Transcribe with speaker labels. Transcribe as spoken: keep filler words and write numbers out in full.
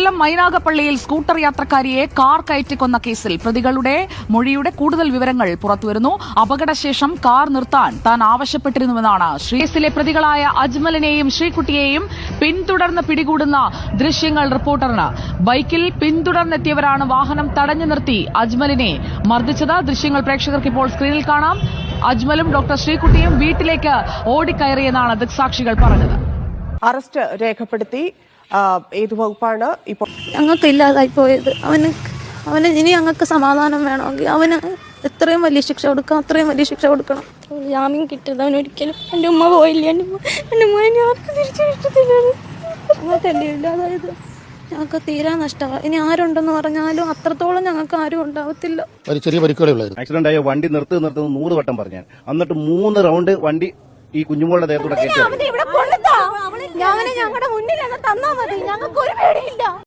Speaker 1: കൊല്ലം മൈനാഗപ്പള്ളിയിൽ scooter യാത്രക്കാരിയെ car കയറ്റിക്കൊന്ന കേസിൽ പ്രതികളുടെ മൊഴിയുടെ കൂടുതൽ വിവരങ്ങൾ പുറത്തുവരുന്നു. അപകടശേഷം കാർ നിർത്താൻ താൻ ആവശ്യപ്പെട്ടിരുന്നുവെന്നാണ് കേസിലെ പ്രതികളായ അജ്മലിനെയും ശ്രീകുട്ടിയെയും പിന്തുടർന്ന് പിടികൂടുന്ന ദൃശ്യങ്ങൾ റിപ്പോർട്ടറിന്. ബൈക്കിൽ പിന്തുടർന്നെത്തിയവരാണ് വാഹനം തടഞ്ഞു നിർത്തി അജ്മലിനെ മർദ്ദിച്ചത്. ദൃശ്യങ്ങൾ പ്രേക്ഷകർക്ക് ഇപ്പോൾ സ്ക്രീനിൽ കാണാം. അജ്മലും ഡോക്ടർ ശ്രീകുട്ടിയും വീട്ടിലേക്ക് ഓടിക്കയറിയെന്നാണ് ദൃക്സാക്ഷികൾ പറഞ്ഞത്.
Speaker 2: അറസ്റ്റ് രേഖപ്പെടുത്തി. ഏത് വകുപ്പാണ് ഇപ്പോൾ?
Speaker 3: ഞങ്ങൾക്ക് ഇല്ലാതായി പോയത്. അവന് അവന് ഇനി ഞങ്ങൾക്ക് സമാധാനം വേണമെങ്കിൽ അവന് എത്രയും വലിയ ശിക്ഷ കൊടുക്കണം, അത്രയും വലിയ ശിക്ഷ കൊടുക്കണം.
Speaker 4: ജാമ്യം കിട്ടിയത് അവനൊരിക്കലും എൻ്റെ ഉമ്മ പോയില്ല. എൻ്റെ എൻ്റെ ഉമ്മനെ ആർക്കും തിരിച്ചു കിട്ടത്തില്ല.
Speaker 3: ഞങ്ങൾക്കല്ലേ ഇല്ലാതായത്. ഞങ്ങൾക്ക് തീരാ നഷ്ടമാണ്. ഇനി ആരുണ്ടെന്ന് പറഞ്ഞാലും അത്രത്തോളം ഞങ്ങൾക്ക് ആരും ഉണ്ടാവത്തില്ല.
Speaker 5: ഒരു ചെറിയ പരിക്കുകളേ ഉള്ളായിരുന്നു.
Speaker 6: ആക്സിഡന്റ് ആയ വണ്ടി നിർത്ത് നിർത്തുന്ന നൂറ് വട്ടം പറഞ്ഞു. എന്നിട്ട് മൂന്ന് റൗണ്ട് വണ്ടി ഈ കുഞ്ഞുമോളുടെ ദേഹത്തൂടെ കയറ്റി
Speaker 4: ഞങ്ങളുടെ മുന്നിൽ തന്നാ മതി. ഞങ്ങൾക്ക് ഒരു പേടിയില്ല.